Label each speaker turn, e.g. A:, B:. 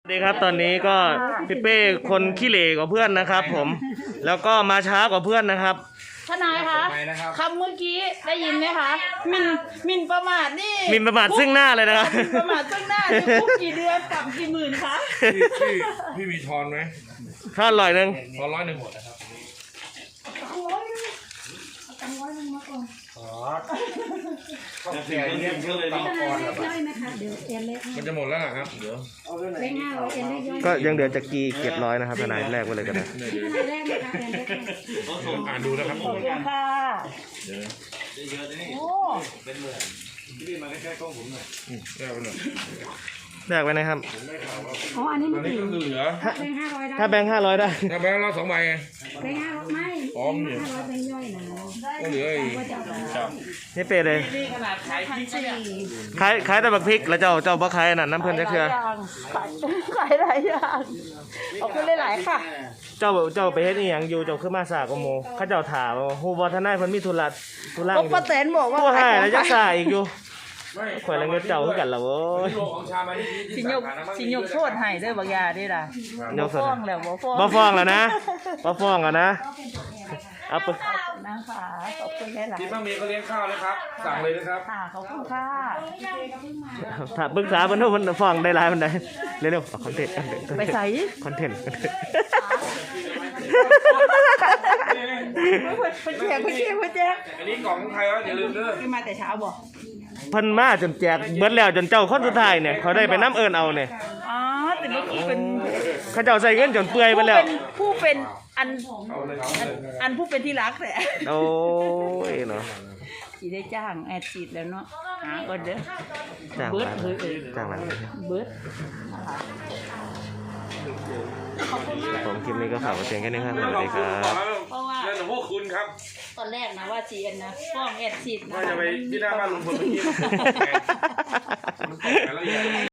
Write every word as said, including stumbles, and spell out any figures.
A: สวัสดีครับตอนนี้ก็พี่เป้คนขี้เหร่กว่าเพื่อนนะครับผมแล้วก็มาช้ากว่าเพื่อนนะครับ
B: ทนายคะคำเมื่อกี้ได้ยินไหมคะมินมินประมาทนี่
A: มินประมาทซึ่งหน้าเลยนะครับ
B: มินประมาทซึ่งหน้านี่คุกกี่เดือนปรับกี่หมื่นคะ
C: พี่พี่พี่มีทอนไหม
A: ถ้าอร่อยหนึ่ง
C: ทอนร้อยหนึ่งหมดนะครับอ๋อข้าวแกงเนี่ยเยอะเลยนะมันจะหมดแล้วนะครับเดี๋ยว
A: ก็ยังเดือจะกีเก็บร้อยนะครับทนายแรกไว้เลยก็ได้
C: อ่านดูนะครับ
B: ขอบคุณค่ะโอ้
C: เป็นเหมือนพี่มาใกล้ๆกล้องผมหน่อยแก้วไปหน่อย
A: แรกไว้นะครับ
B: อ๋ออันนี้มัน
C: นี่ก็คือเหลือ
A: ถ้าแบงค์ห้าร้อยได้
C: ถ้าแบงค์เราสองใบไง
B: แบงค์ห้าร้อยไม่
C: พร้อมเนี่ย
B: ห้าร้อยแบงค์ย่อยนะ
C: ก็เหลืออีก
A: นี่เปรเลย
B: นี่ขนาดขายพันสี่
A: ขายขายแต่บักพริกแล้วเจ้าเจ้าบ่ขายนั่นน้ำเพื่อนจะเชื่อ
B: ขายหลายอย่างขอบคุณหลายๆค่ะ
A: เจ้าเจ้าไปเฮ็ดอีหยังอยู่เจ้าขึ้นมาสากโมเขาเจ้าถามว่าฮู้บ่ทนายเพิ่นมีธุระธุระอยู่
B: ป้าแตนบอกว่า
A: ผู้ให้แล้วยังสาอีกอยู่ข่อยละเงินเจ้าคือกันล่ะโว้ย
B: สิยกสิยกโทษให้เด้อบางยาได้ล่ะบ่ฟ้องแล้วบ่ฟ้อง
A: บ่ฟ้องแล้วนะบ่ฟ้องแล้วนะเอาไป
B: นะคะขอบคุณหลายๆ
C: ที่ป้าเมย์เขาเลี้ยงข้าวนะครับสั่งเลยนะครับ
B: ค่ะขอบคุณค่ะ
A: ถ้าปรึกษาเพิ่นว่าเพิ่นฟ้องได้หลายปานใดเร็วๆคอนเทนต์
B: ไปใส่
A: คอนเทนต์
B: คุณแจกคุณแจกคุณแจก
C: อันนี้กล่องของใครวะอย่าลืมเด้อ
B: ขึ้นมาแต่เช้าบ่
A: เพิ่นมาจนแจกเบิดแล้วจนเจ้าคนสุดท้ายเนี่ยเขาได้ไปน้ำเอิญเอาเนี่ย
B: อ๋อแต่เมื่อกี้เป็น
A: เขาเจ้าใส่เงินจนเปื่อยไปแล้ว
B: ผู้เป็นอันอันผู้เป็นที่รักแหละ
A: โอ้ยเนาะ
B: สีได้จ้างแอดฉีดแล้วเนาะหาก่อนเด้อ
A: จ้างมาจ้างมา
B: เบิร์ด
A: ผมคลิปนี้ก็ฝากไว้เพียงแค่นี้ครับสวัสดีครับ
B: เพราะว่า
C: เรื่องของพวกคุณครับ
B: ตอนแรกนะว่าจีเอ็นนะฟ้องแอดฉีดนะ
C: ว่าจะไปที่หน้าบ้านลุงพลเมื่อกี้